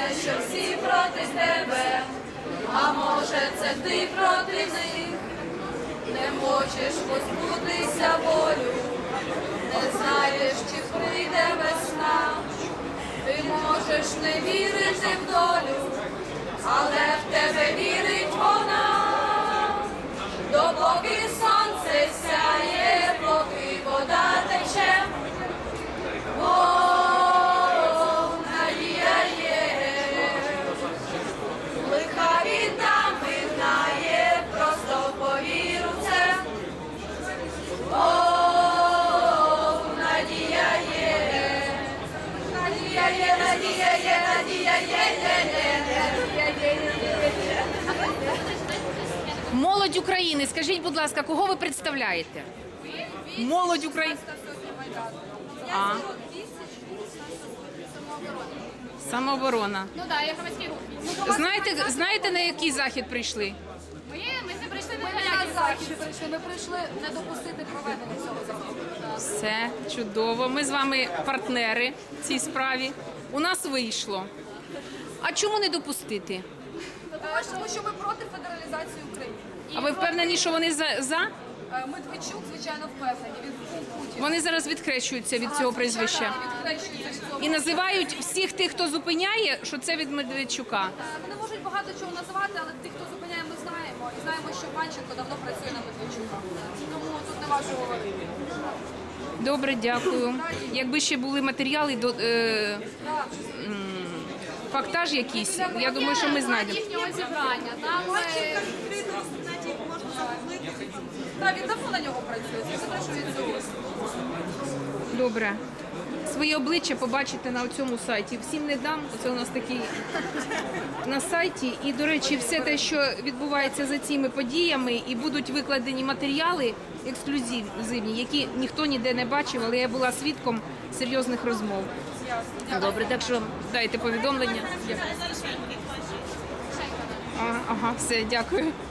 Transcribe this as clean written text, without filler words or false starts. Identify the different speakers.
Speaker 1: що всі проти тебе, а може це ти проти них, не хочеш позбутися болю, не знаєш, чи прийде весна, ти можеш не вірити в долю, але в тебе вірить вона, допоки сонце сяє, поки вода тече. Надія є, лиха війна минає, просто повір у це. Надія є, надія є, надія є, надія є.
Speaker 2: Молодь України, скажіть, будь ласка, кого ви представляєте? Молодь України. А. Самооборона.
Speaker 3: Ну так, я громадський рух.
Speaker 2: Знаєте, на який захід прийшли?
Speaker 3: Ми не прийшли
Speaker 1: Ми не на захід прийшли, ми прийшли не допустити проведення цього заходу.
Speaker 2: Все чудово. Ми з вами партнери в цій справі. У нас вийшло. А чому не допустити?
Speaker 1: Тому що ми проти федералізації України.
Speaker 2: А ви впевнені, що вони за?
Speaker 1: Медведчук, звичайно, впевнені. Він Путін.
Speaker 2: Вони зараз відхрещуються від цього прізвища. І називають всіх тих, хто зупиняє, що це від Медведчука.
Speaker 1: Вони можуть багато чого називати, але тих, хто зупиняє, ми знаємо. І знаємо, що Панченко давно працює на Медведчука. Тому тут не важко говорити.
Speaker 2: Добре, дякую. Якби ще були матеріали, фактаж якийсь, я думаю, що ми знайдемо.
Speaker 3: їхнього зібрання. Там
Speaker 1: Так, він давно на нього працює. Це те, що він зробив.
Speaker 2: Добре. Своє обличчя побачите на цьому сайті. Всім не дам, це у нас такий на сайті. І, до речі, все те, що відбувається за цими подіями, і будуть викладені матеріали ексклюзивні, які ніхто ніде не бачив, але я була свідком серйозних розмов. Добре, так що дайте повідомлення. Ага, все, дякую.